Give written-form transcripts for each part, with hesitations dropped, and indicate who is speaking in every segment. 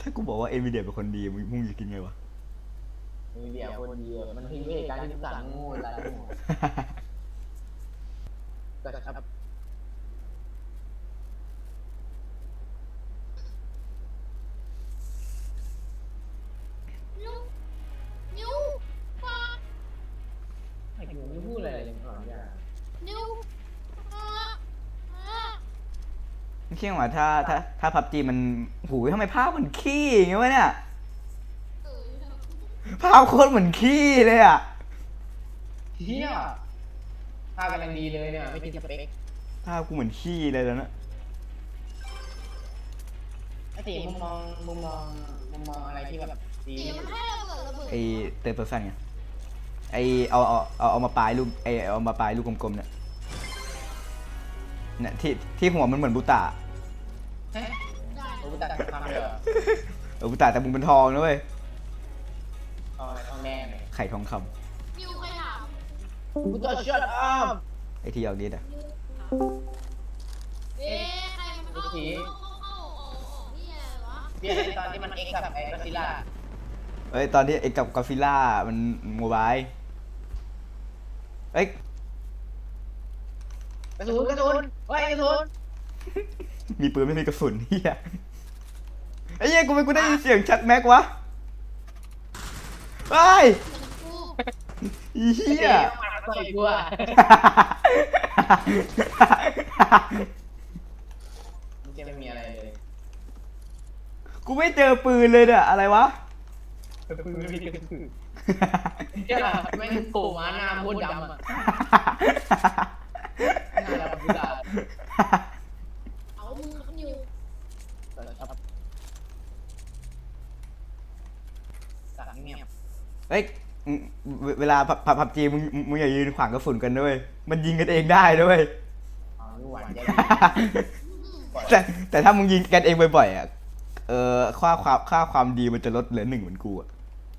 Speaker 1: ากูบอกว่าเอ็นวีเดียเป็นคนดีมึงจะกินไงวะ
Speaker 2: มีเดียคนเดียวมันทิ้งไปเหตุการณ์ที่สั่งงูอะไรงูก็ครับ
Speaker 3: นิ้วนิ้วปา
Speaker 2: ไอ้งูไม่พูดอะไรเลยก่อนอย่า
Speaker 3: นิ้วปา
Speaker 1: ไม่เชื่อว่าถ้าพับจีมันหูยทำไมภาพมันขี้อย่างเงี้ยวะเนี่ย
Speaker 3: เออ
Speaker 1: ภาพโคตรเหมือนขี้เลยอ่ะ
Speaker 2: เฮียท่ากำลังดีเลยเนี่ยไม่ติดสเปค
Speaker 1: ภาพกูเหมือนขี้เลยแล้วนะ
Speaker 2: ไอ้ตีมุมมองอะไรที่แบบดี
Speaker 3: เดี๋ยวมันให้ระเบิด
Speaker 1: ไอเตอร์เพอร์ซันไงไอเอามาปลายลูกเอามาปลายลูกกลมๆเนี่ยเนี่ยที่หัวมันเหมือนบูตา
Speaker 2: เฮ้ย
Speaker 3: ได้
Speaker 2: โอ้ตัดทำเลยเหรอ
Speaker 1: บูตาแต่มึงเป็นทองนะเว้ย
Speaker 2: ทองแดงเลย
Speaker 1: ไข่ทองค
Speaker 3: นิ้วใครถาม
Speaker 2: กูจะช็อตอัพ
Speaker 1: ำไอที่เอาดีอ่ะ
Speaker 3: เอ๊ะใครมันเข้านี่อะไรวะ
Speaker 2: เบี้ยตอนที่มันเอ็กซ์กับไอ้ก็ซิล่า
Speaker 1: เอ้ยตอนที่ไอกับกอฟิล่ามันโมบายเอ้ย
Speaker 2: กระสุนเฮ้ยกระสุน
Speaker 1: มีปืนไม่มีกระสุนเฮียไอ้เหี้ยกูได้ยินเสียงชัดแม็กวะไอ้เฮีย
Speaker 2: ต่อยกูอ่ะมันจะไม่มีอะไรเลย
Speaker 1: กูไม่เจอปืนเลยเนี่ยอะไรวะ
Speaker 2: ปืนไม่มีกระสุนเจ้าไม่โผล่มาหน้าโคตรดำอ่ะหน้าดำกุหลาบ
Speaker 3: เอามึงครับนิ้ว
Speaker 2: สั่งเงียบ
Speaker 1: เฮ้ยเวลาพับจีมึงอย่ายืนขวางกระสุนกันด้วยมันยิงกันเองได้ด้วยแต่ถ้ามึงยิงกันเองบ่อยๆอ่ะค่าความดีมันจะลดเหลือ1เหมือนกูอ่ะ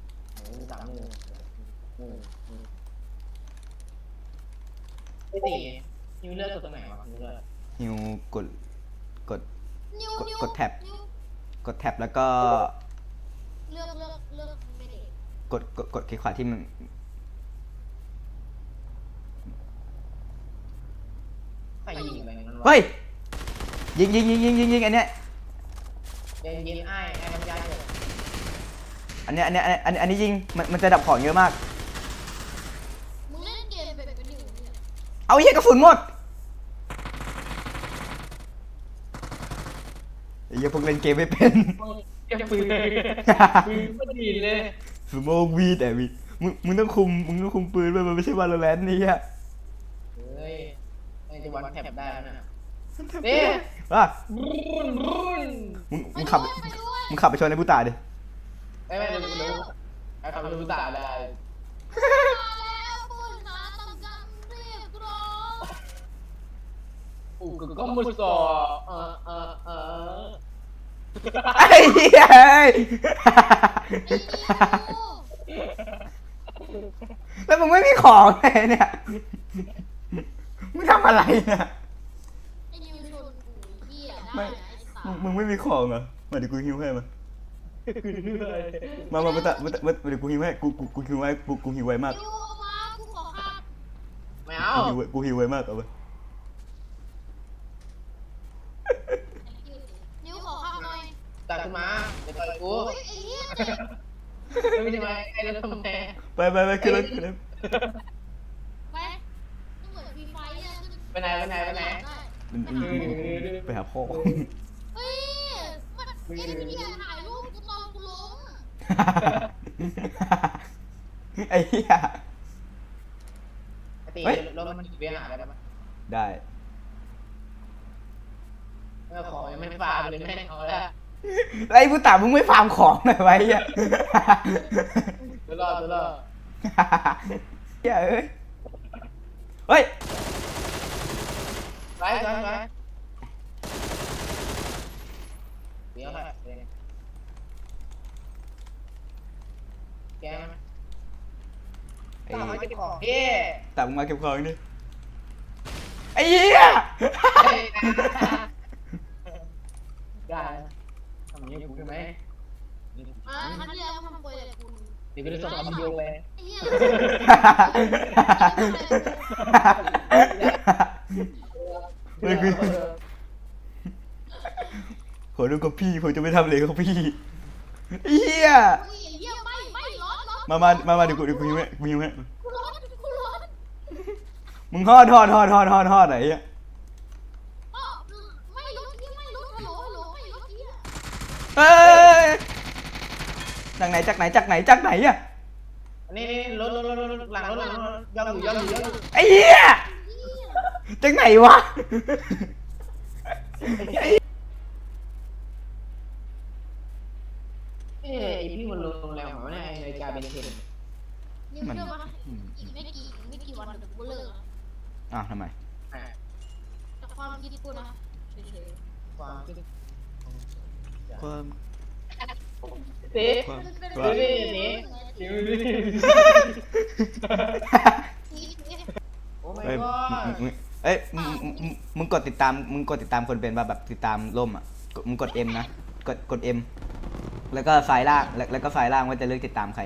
Speaker 2: ไอ้ตีนิวเลือกตัวไหนวะนิวเลือก
Speaker 1: นิวกดกดกดแท็บแล้วก็
Speaker 3: เลือกไม่ได้
Speaker 1: กดคลิกขวาที่มัน
Speaker 2: ใครยิงอะไรนั่นวะ
Speaker 1: เฮ้ยยิงอันเนี้ย
Speaker 2: ยิงไอ้น้ำยาเถอะ
Speaker 1: อันนี้ยิงมันจะดับของเยอะมาก
Speaker 3: มึงเล่นเกมเป็นนิ้วเนี่ย
Speaker 1: เอาเหี้ยกระสุนหมดไอ้เหี้ยพวกเล่นเกมไม่เป็น
Speaker 2: เก็บปืนไม่ดีเลย
Speaker 1: สโมกวีแต่มึงต้องคุมปืนไปมันไม่ใช่วาโลแรนต์นี่ฮะ
Speaker 2: เฮ้ยไอ้จะวันแท็บได้แล้วนะนี่
Speaker 1: ว่า
Speaker 2: รุ่น
Speaker 1: มึงขับไปชนในผู้ตายดิ
Speaker 2: ไม่รู้ไอ้คำรู้ตาได้
Speaker 3: แล้วปืนหาต้องการเรียกร้อง
Speaker 2: ก็มุสอ
Speaker 1: ไอ้เหี้ยแล้วมึงไม่มีของเลยเนี่ยมึงทำอะไรเนี่ย
Speaker 3: ไอ้นิวชนกูเหี้ยได้
Speaker 1: มึงไม่มีของเหรอมาเดี๋ยวกูฮิวให้มาเดี๋ยวกูฮิวให้กูฮิวไว้กูฮิวไว้มาก
Speaker 3: กูขอข้าม
Speaker 2: ไม่เอา
Speaker 1: กูฮิวไว้มากเอาไป
Speaker 3: นิ้วขอข้ามหน่อย
Speaker 2: ตัดขึ้นมาจะต่อยกูไม่ใช่ไหมไอ้เรื่องทำไม
Speaker 1: ไปขึ้นรถ
Speaker 3: ไปเหมือนฟรีไฟอ่ะ
Speaker 2: ไปไหน
Speaker 1: ไปหาพ่อ
Speaker 3: เฮ้ยมันเอ็นวีเดียถ่ายรูปกูตอนกูล้ม
Speaker 1: ไอ้เหี้ย
Speaker 2: ตีรถมันเวียนหาได้ไหม
Speaker 1: ได้
Speaker 2: แล้วขอยังไม่ฟาเลยแม่เอาแล้ว
Speaker 1: ไอ้ผู้ตามึงไม่ฟาร์มของหน่อยไว้อ่ะ
Speaker 2: ตัวรอด
Speaker 1: เฮ้ย
Speaker 2: ไปเดี๋ยวค่ะแกมันตาเก็บของพี่
Speaker 1: ตามึงมาเก็บของนี่ไอ้เหี้ย
Speaker 2: ได้ทำอย่างนี้กูได้ไหม
Speaker 3: ครั้งที่แล้วทำโปรยแต่คุณ
Speaker 2: เดี๋ยวกูจะส่งเอาวิดีโอไป
Speaker 3: ไอ้เหี้ย
Speaker 1: เฮ้ยคือขอดูกับพี่ผมจะไม่ทำเลยกับพี่เฮีย
Speaker 3: อุ้ยไอ้เหี้ยไม่ร้อน
Speaker 1: มาเดี๋ยวกูยิงไว้
Speaker 3: กูร้อน
Speaker 1: มึงทอดไหนอ่ะ
Speaker 3: อ้อไม่รู้ที่ไม่รู้ฮัลโหลไม่รู้ที่
Speaker 1: เฮ้ยจากไหนอ่ะ
Speaker 2: นี่รถหลังรถย่องอยู่
Speaker 1: ไอ้เหี้ยจากไหนวะ
Speaker 2: ไอพี่มันลงแล้วเหรอเนี่ยนาฬิกาเบนเทน
Speaker 3: ยังเชื่อปะอีกไม่กี่วันเดี๋ยวกูเลิก
Speaker 1: อ้าวทำไม
Speaker 3: แต่ความคิดกูนะเฉย
Speaker 2: ความคิด
Speaker 1: ความ
Speaker 2: เต๊ะ
Speaker 1: ความ
Speaker 2: ดูดิดูดิโอ้ my
Speaker 1: เอ้ย
Speaker 2: god
Speaker 1: เอ้ยมึงกดติดตามคนเป็นป่ะแบบติดตามร่มอ่ะมึงกด M นะกด M แล้วก็ไฟล์ล่างแล้วก็ไฟล์ล่างว่าจะเลือกติดตามใคร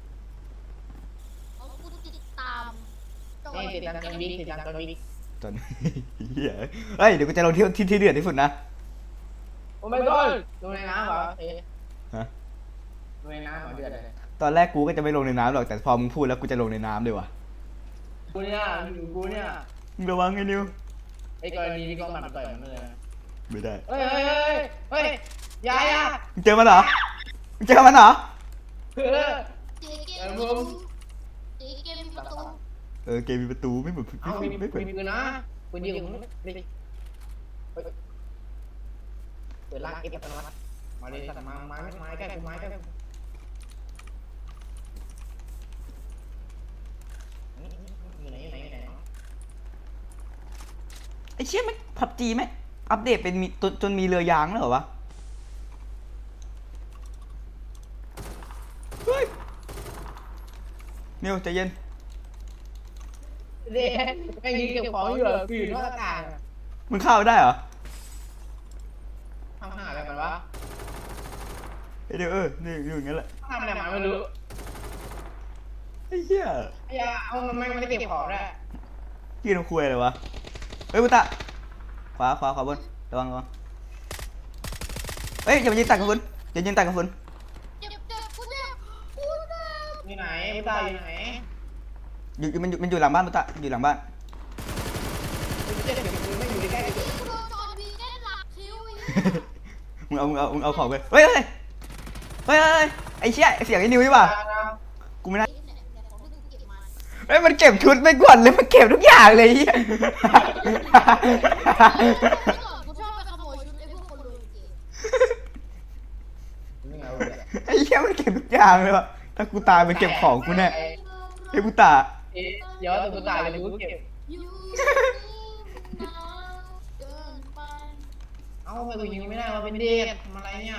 Speaker 3: เอากูติดตาม
Speaker 2: นี่ติดตามกันวิก
Speaker 1: จน เหี้ยเฮ้ยเดี๋ยวกูจะลงที่เดือดที่สุดนะ
Speaker 2: โอ้ my god ลงในน้ำเหรอเอ๊ะ
Speaker 1: ฮะ
Speaker 2: ลงในน้ำเหรอเดือดเลย
Speaker 1: ตอนแรกกูก็จะไม่ลงในน้ำหรอกแต่พอมึงพูดแล้วกูจะลงในน้ำเลยว่ะ
Speaker 2: กูเนี่ย
Speaker 1: มึงระวังไอ้นิว
Speaker 2: ไอ้กรณีที่กองมันต่อยมันเลย
Speaker 1: ไม่ได้
Speaker 2: เฮ้ยยายา
Speaker 1: มึงเจอมันเหรอเจอมันเหรอ
Speaker 2: เออ
Speaker 3: เจ๊เกมประตู
Speaker 1: เกมมีประตูไม่เหมือน
Speaker 2: เอามี
Speaker 1: ไม่เหมือน
Speaker 2: ปืนนะปืนยิงมึงดิเปิดลากเอฟอัตโนมัติมาเลยสัตว์ไม้ใกล้กูอยู่ไหนเนาะ
Speaker 1: ไอ้เชี่ยไม่พับจีไหมอัปเดตเป็นมีจนมีเรือยางแล้วเหรอวะเฮ้ยนิวใจเย็น
Speaker 2: เด็กไอ้ยิงเก็บของอยู่กูอยู่นอกอากาศ
Speaker 1: มึงเข้าได้เหรอ
Speaker 2: ทำหาอะไรมันวะ
Speaker 1: ไอ้เดี๋ยวนี่อยู่อย่างนั้นแหละ
Speaker 2: ทำอะไรมันไม่รู้
Speaker 1: ไอ้เหี้ย
Speaker 2: ไอ้ยาเอามันไม่ได้เก็บของได้
Speaker 1: ยืนคุยอะไรวะเฮ้ยพุตตะขวาบนระวังเฮ้ยอย่ามายืนตักกับคุณอย่ายืนตักกับคุณ
Speaker 3: เจ็บกูเจ็บ
Speaker 2: อยู่ไหนไม่ตายอยู่ไหน
Speaker 1: มันอยู่หลังบ้านพุตตะอยู่หลังบ้าน
Speaker 2: กูจะเก็บปืนไม่อยู่ใกล้ๆ
Speaker 3: กูโดนจอร์วีแน่นหลักคิ้ว
Speaker 1: มึงเอาของไปเฮ้ยไอ้เชี่ยเสียงไอ้นิวนี่ป่ะกูไม่น่าเฮ้ยมันเก็บชุดไปก่อนเลยมันเก็บทุกอย่างเลยเฮีย
Speaker 3: กูชอบไปขโมยชุดไอ้พวกคนรวยเก๋
Speaker 1: ไอ้เชี่ยมันเก็บทุกอย่างเลยว่ะถ้ากูตายไปเก็บของกูแน่ไอ้พุตตะ
Speaker 2: เดี๋ยวแต่กูตายเลยกูเก็บ
Speaker 3: ยูเกินไป
Speaker 2: เอ้าทำไมกูยิงไม่ได้มาเป็นเด็กทำอะไรเนี่ย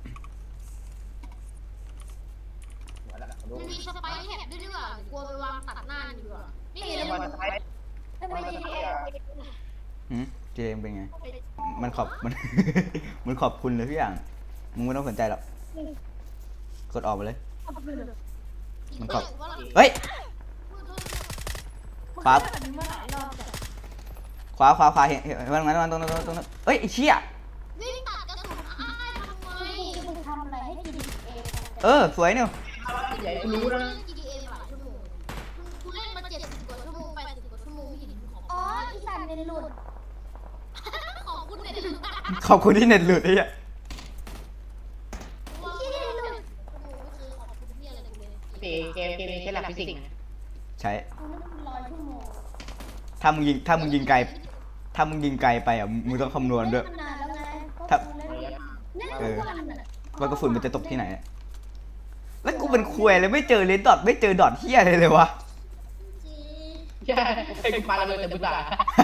Speaker 3: มันมีสไปแท็บด้วยดีกว่ากลัวไปวางตัดหน้าดีกว่านี่เลย
Speaker 2: วันท้าย
Speaker 3: ทำไม GTA
Speaker 1: เจมเป็นไงมันขอบมัน มันขอบคุณเลยทุกอย่างมึงไม่ต้องสนใจหรอกกดออกไปเลยมันขอบเฮ้ยขวาเห็นมันตรงนั้นเฮ้ยไอ้เชี่ย
Speaker 3: วิ่งตัดกระสุนอ้ายทำไม
Speaker 4: มึงทำอะไรให้กิน
Speaker 1: สวยเนี่ย
Speaker 2: ใหญ่กูรู้นะ
Speaker 3: GTA หลายชั่วโมงกูเล่นมา70 กว่าชั่วโมง80 กว่าชั่วโมงไม่เห็นของ
Speaker 4: อ๋ออีสันเนหลุด
Speaker 3: ของคุณเนี่ย
Speaker 1: ขอบคุณที่เน็ตหลุดไอ้เหี้ย
Speaker 3: ว่าไม่เคยขอบคุณที่อะไรกูเลย
Speaker 2: เกมนี้ใช้หลักฟิสิกส์
Speaker 1: ใช้
Speaker 4: กูนั่ง100 ชั่วโมง
Speaker 1: ถ้ามึงยิงไกลไปอ่ะมึงต้องคำนวณด้วย
Speaker 4: นานแล้วไง
Speaker 1: ครับ
Speaker 4: เล่นทุกวันอ่ะ
Speaker 1: ว่ากระสุนมันจะตกที่ไหนอะแล้วกูเป็นควยเลยไม่เจอเลนดอทไม่เจอดอทเฮียอะไรเลยวะ
Speaker 2: ใช่ไอ้กูปาระเบิดแต่กูตาย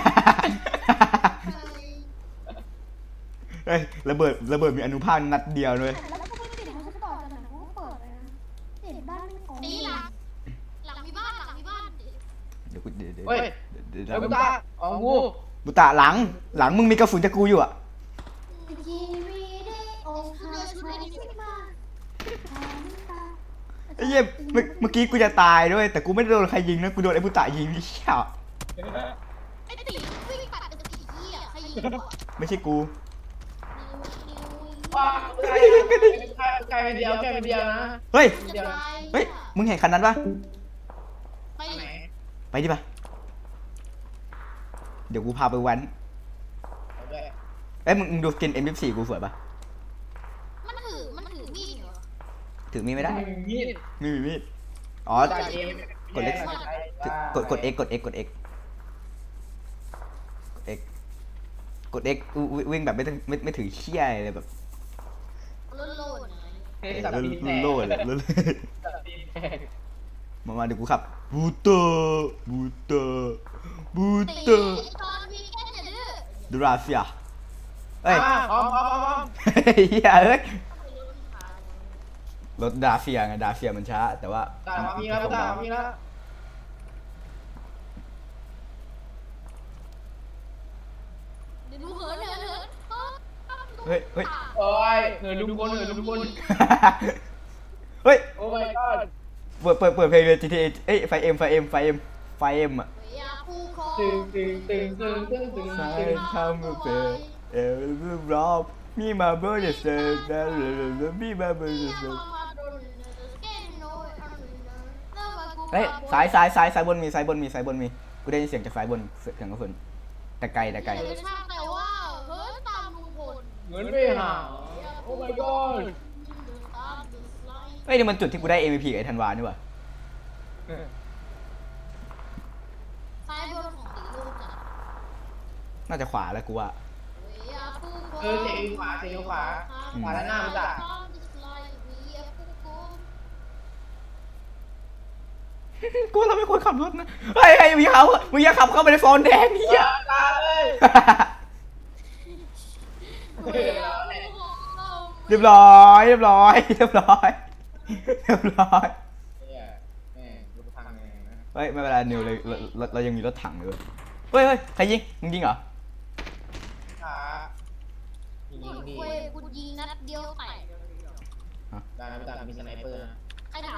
Speaker 1: เฮ้ยระเบิดมีอนุภาคนัดเดียวเลย
Speaker 4: แล้วก็ไม่ติดเขาจะต่อกันนะกูเปิดเลยนะติดบ้านไม่ของ
Speaker 3: ตีหลังมีบ้าน
Speaker 1: เดี๋ยวกูเดี๋ยว
Speaker 2: เฮ้ยไอ้กูตายอ๋อกู
Speaker 1: บุตะหลังมึงมีกระสุนจากกูอยู่อ่ะ
Speaker 4: ทีวีได้โอ้ค่ะใช่ไหม
Speaker 1: ไอ้เหี้ยเมื่อกี้กูจะตายด้วยแต่กูไม่ได้โดนใครยิงนะกูโดนไอ้บุตะยิงไอ้เหี้ย
Speaker 3: ไอ้ตีวิ่งปัดเป็นผีเหี้ยใครยิงวะ
Speaker 1: ไม่ใช่กู
Speaker 2: ว้าวไกลไปเดียวแค่ไปเดียวนะ
Speaker 1: เฮ้ย
Speaker 2: เดียว
Speaker 1: เฮ้ยมึงเห็นคันนั้นปะ
Speaker 3: ไป
Speaker 2: ไหน
Speaker 1: ไปดิปะเดี๋ยวกูพาไปแว้น
Speaker 2: เอาด้วย
Speaker 1: เอ้ยมึงดูสกิน M24 กูสวยปะ
Speaker 3: มันถือมีดเหรอ
Speaker 1: ถือมีดไม่ได้
Speaker 2: มีด
Speaker 1: ไม่มีมีดอ๋อ
Speaker 2: จ่ายเอง
Speaker 1: กดเล็ก กด X กด X กด X กด X กด X วิ่งแบบไม่ถือเชี่ยเลยแบบ
Speaker 3: โลดๆนะ
Speaker 2: เฮ้ยสับตีนแตก
Speaker 1: โล่เลยโล่เลย
Speaker 2: สับตีนแตก
Speaker 1: มาเดี๋ยวกูขับบูเตอร์บูเตอร์บู
Speaker 3: ตี
Speaker 1: เตอร์
Speaker 3: ตอนวีแกนอย่าดื้อ
Speaker 1: ดูราเซียเอ้ย
Speaker 2: พร้อม
Speaker 1: เฮียเอ้ยรถดาเซียไงดาเซียมันช้าแต่ว่า
Speaker 2: ตามมีแล้วตามมีแล้ว
Speaker 3: เดี๋ยวดูเหิน
Speaker 1: เฮ้ยเฮ้ย
Speaker 2: โอ้ยเหนื่อยลุงพลเหนื่อยลุงพล
Speaker 1: เฮ้ย
Speaker 2: โอ้ my god
Speaker 1: เปิดเพลงเลย GTA เอ้ยไฟเอ็มอ่ะ
Speaker 3: อย่าคู่คอ
Speaker 2: ตึง
Speaker 1: ใช่ทำมาเป็นรอบมีมาเบอร์เดสเซอร์มีมาเบอร์เดสเซอร์เฮ้ยสายบนมีกูได้ยินเสียงจากสายบนเสียงกระสุนแต่ไกล
Speaker 3: แต่ว่าเฮ้ยตามลุงพล
Speaker 2: เหมือนไปหาโอ้ my god
Speaker 1: เฮ้ยนี่มันจุดที่กูได้ MVP กับไอ้ธันวานี่หว่า
Speaker 3: ซ้ายบนของตีลูกจ้ะ
Speaker 1: น่าจะขวาแล้วกูว่า
Speaker 2: เสียงขวาขวาแล้วหน้ามันจ้ะ
Speaker 1: กูว่าเราไม่ควรขับรถนะเฮ้ยมึงอย่าขับเข้าไปในโซนแดงเฮีย
Speaker 2: ตาเลย
Speaker 1: เรียบร้อย
Speaker 2: เนี่ยแม่รถพังไงนะ
Speaker 1: เฮ้ยไม่เป็นไรนิวเลยเรายังมีรถถังเลยเฮ้ยใครยิงมึงยิงเหรอ
Speaker 2: ขายิงดี
Speaker 3: กูยิงนัดเดียวแตก
Speaker 2: ได้นะพี่ตามีสไนเปอร์นะ
Speaker 3: ใครถาม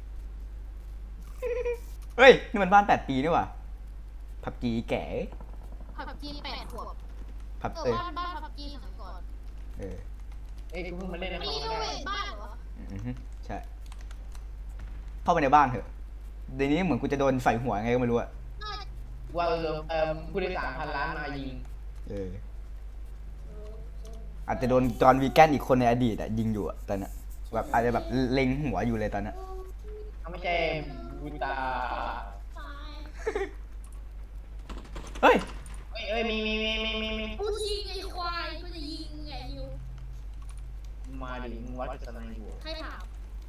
Speaker 1: เฮ้ยนี่มันบ้าน8 ปีนี่หว่าผับจีแก่
Speaker 3: ผับจี8 ขวบ
Speaker 1: ผับ
Speaker 3: บ้านผับจีสมัยก่อน
Speaker 1: เออ
Speaker 2: เอ้ยกูเพิ่งมาเล่นใน
Speaker 3: มี
Speaker 2: คอม
Speaker 3: ด้ว
Speaker 2: ได้
Speaker 3: ยบ้านเหรอ
Speaker 1: ใช่เข้าไปในบ้านเถอะเดี๋ยวนี้เหมือนกูจะโดนใส่หัวไงก็ไม่รู้อะ
Speaker 3: น่าจะ
Speaker 2: ว่าผู้โดยสารพันล้านมายิง
Speaker 1: เอออาจจะโดนจอห์นวีแกนอีกคนในอดีตอะยิงอยู่อะตอนนั้นแบบอาจจะแบบเล็งหัวอยู่เลยตอนนั้น
Speaker 2: เขาไม่ใช่บุตา
Speaker 3: ตาย
Speaker 1: เฮ้ย
Speaker 2: เอ้ยมี
Speaker 3: กูยิงไอ้ควายกูจะยิงไงนิว
Speaker 2: มาดิมึงวัดกับสไนอยู่
Speaker 3: ใครถาม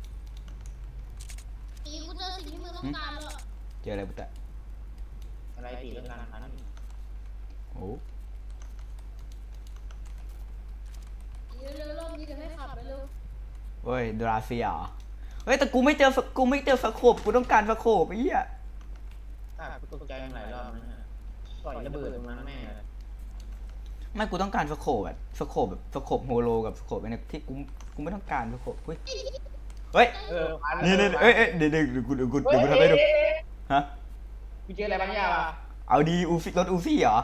Speaker 3: ตีกูเจอสิ่งที่มึงต้องการแล้ว
Speaker 1: เจออะไรบุตร
Speaker 2: อะไรตีเรื่องการพัน
Speaker 1: โอ้
Speaker 3: เร็วๆรอบนี้จะให้ขับไปเร็ว
Speaker 1: เฮ้ยดราเซียเหรอเฮ้ยแต่กูไม่เจอสโคปกูต้องการสโคปไอ้เหี้ย
Speaker 2: กูตกใจหลายรอบนะต่อยระเบิดตรงนั้นแม่เลย
Speaker 1: ไม่กูต้องการสโคปแบบสโคปโฮโลกับสโคปไอ้เนี่ยที่กูไม่ต้องการสโคปเฮ้ยเฮ้ยนี่เอ้ยเดี๋ยวกูทำให้ดูฮะ
Speaker 2: กูเจออะไรบางอย่างอ่ะ
Speaker 1: เอาดีรถอูซี่เหรอ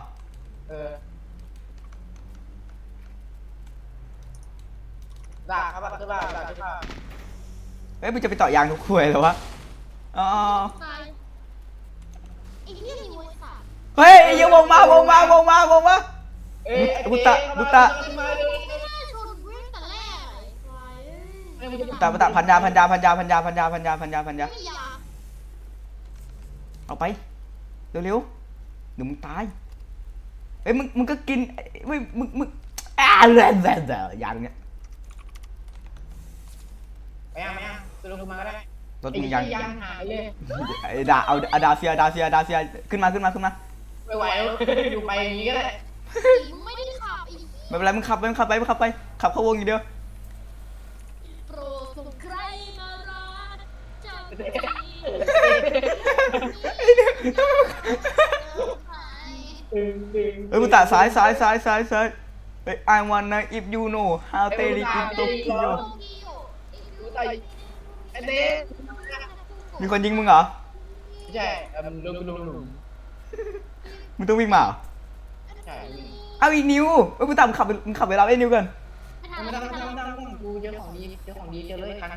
Speaker 2: ด่าครับด่า
Speaker 1: เฮ้ยมึงจะไปต่อยางทุกควยเหรอวะอ๋อ
Speaker 3: ตายไอ้เหี้ยนิวไอ้สัตว์
Speaker 1: เฮ้ยยังวงมา
Speaker 2: บุตา
Speaker 3: ไม่น่าชนเว้ยแต่แรกไอ้ควายเอ้ย
Speaker 1: บุตาพันยา
Speaker 3: ไม่มียา
Speaker 1: เอาไปเร็วเดี๋ยวมึงตายเฮ้ยมึงก็กินเฮ้ยมึงยางเนี้ย
Speaker 2: ไม่เอาตัวลงมาก็ได้
Speaker 1: รถมึงยาง
Speaker 2: ยางหายเลย
Speaker 1: ไอ้เอาดาเซียขึ้นมา
Speaker 2: ไม่ไหวอยู่ไปอย่างนี้ก็ได้
Speaker 3: มึงไม่ได้ขับไอ้
Speaker 1: ไม่เป็นไรมึงขับไปขับเข้าวงอย่างเดียว
Speaker 3: โปรดส่งใครมารักจับที
Speaker 1: เฮ้ยบุตาซ้ายเฮ้ย I wanna if you know how to live in Tokyo
Speaker 3: โตเกียว
Speaker 2: ตายไอ้เด็ก
Speaker 1: มีคนยิงมึงเหรอ
Speaker 2: ไม่ใช่ลุง
Speaker 1: มึงต้องวิ่งมาเหรอ
Speaker 2: ใช่
Speaker 1: เอาอีกนิวเอ้ยกูตามมึงขับไปรับไอ้นิวกัน
Speaker 3: ไม่ทัน
Speaker 2: ไม่
Speaker 3: แล้ว
Speaker 2: ต้อง
Speaker 3: ไม่ทันแล้ว
Speaker 2: กูเจอของดีเจอเลยคัน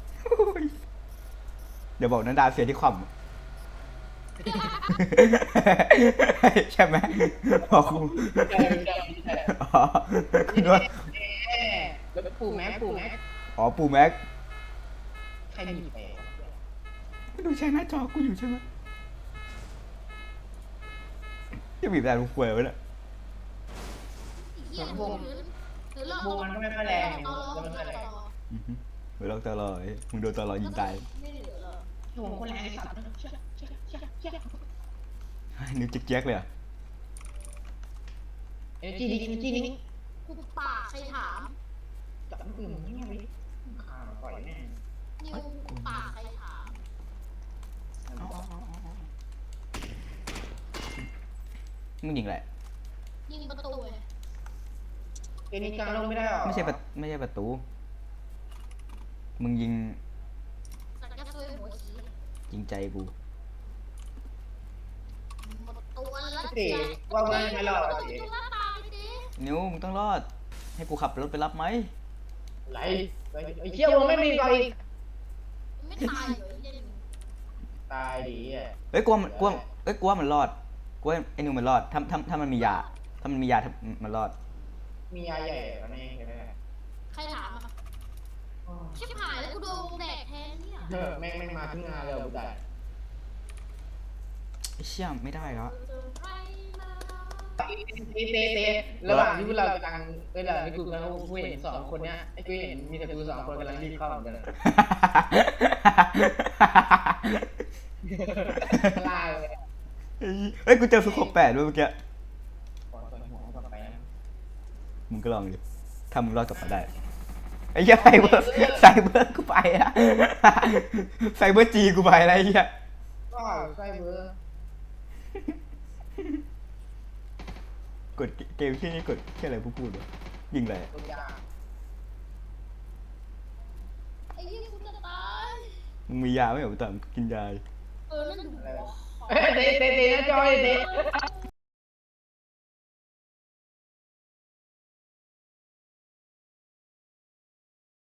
Speaker 1: เดี๋ยวบอกนันดาเสียที่ความ ใช่ไหมบอกกู
Speaker 2: ใช่
Speaker 1: อ๋อคุณว่า
Speaker 2: แล้วปู่แม็ก
Speaker 1: อ๋อปู่แม็ก
Speaker 2: ใครมีแปล
Speaker 1: ไม่ดูใช้หน้าจอกูอยู่ใช่ไหมจะบีบแต่ลูกควยไว้เนี่ย
Speaker 3: เหี้ยถือเลิก
Speaker 2: วงมันก็ไม่ค่อยแรงวงมันไม่ค่อยแรง
Speaker 1: เดี๋ยวเราตลอดมึงโดนตลอดยิงตาย
Speaker 3: ไม่เหลือหรอก
Speaker 2: วงคนแรงไอ้สัตว์
Speaker 1: นิ้วเจ๊กๆเลยอ่ะ
Speaker 2: เอเนจีนี้
Speaker 3: กูปากใครถาม
Speaker 2: จับปืนเงี้ยไปข้าปล่อยแน่
Speaker 3: นิวกูปากใครถาม
Speaker 1: มึงยิงแหละ
Speaker 3: ยิงประตูเลย
Speaker 2: เอเนจีลงไม่ได้หรอ
Speaker 1: ไม่ใช่ประตู มึงยิง
Speaker 3: สักกระซวยหัวขี้
Speaker 1: ยิงใจกู
Speaker 3: หมดตัวแล้ว
Speaker 2: เตะว่าไม่รอด
Speaker 3: ตัว
Speaker 2: เตะ
Speaker 3: จุฬาตายดิ
Speaker 1: นิวมึงต้องรอด ให้กูขับรถไปรับไหม
Speaker 2: ไหลไอ้เชี่ยวงไม่มีไฟ
Speaker 3: ไม่ตายเลยเย็น
Speaker 2: ตายดีอ่ะ
Speaker 1: เอ้ยกลัวมันรอดกลัวไอ้นิวมันรอดถ้ามันมียาถ้ามันมียามันรอด
Speaker 2: มียาใหญ่กว่านี้กันแน่
Speaker 3: ใครถามอ่ะชิบหายแล้วกูโดนแดกแทนเนี่ย
Speaker 2: แม่งมาขึ้นงานเลยบุตร
Speaker 1: ไอ้เชี่ยไม่ได้แล้ว
Speaker 3: เจอใครมา
Speaker 2: เตะระหว่างที่เรากำลังระหว่างที่กูกำลังกูเห็นสองคนเนี้ยไอ้กูเห็นมีแต่กูสองคนกำลังรีบเข้าเหมือนกันลาเลย
Speaker 1: เฮ้ยกูเจอสุข8ด้วยเมื่อกี้
Speaker 2: ขอตัวหัวก่อนไปนะ
Speaker 1: มึงก็ลองดิถ้ามึงรอดกลับมาได้ไอ้เหี้ยไซเบอร์กูไปอะไซเบอร์จีกูไปอะไรเหี้ย
Speaker 2: ก็ใส่เบอร์
Speaker 1: กดเกมที่นี่กดแค่อะไรพูดวะยิงอะไร
Speaker 2: ตัวยา
Speaker 3: ไอ้ยี่กูจะตาย
Speaker 1: มึงมียาไหมเหรอแต่กินยา
Speaker 3: นั่นดู
Speaker 2: เตะนะจอยเตะ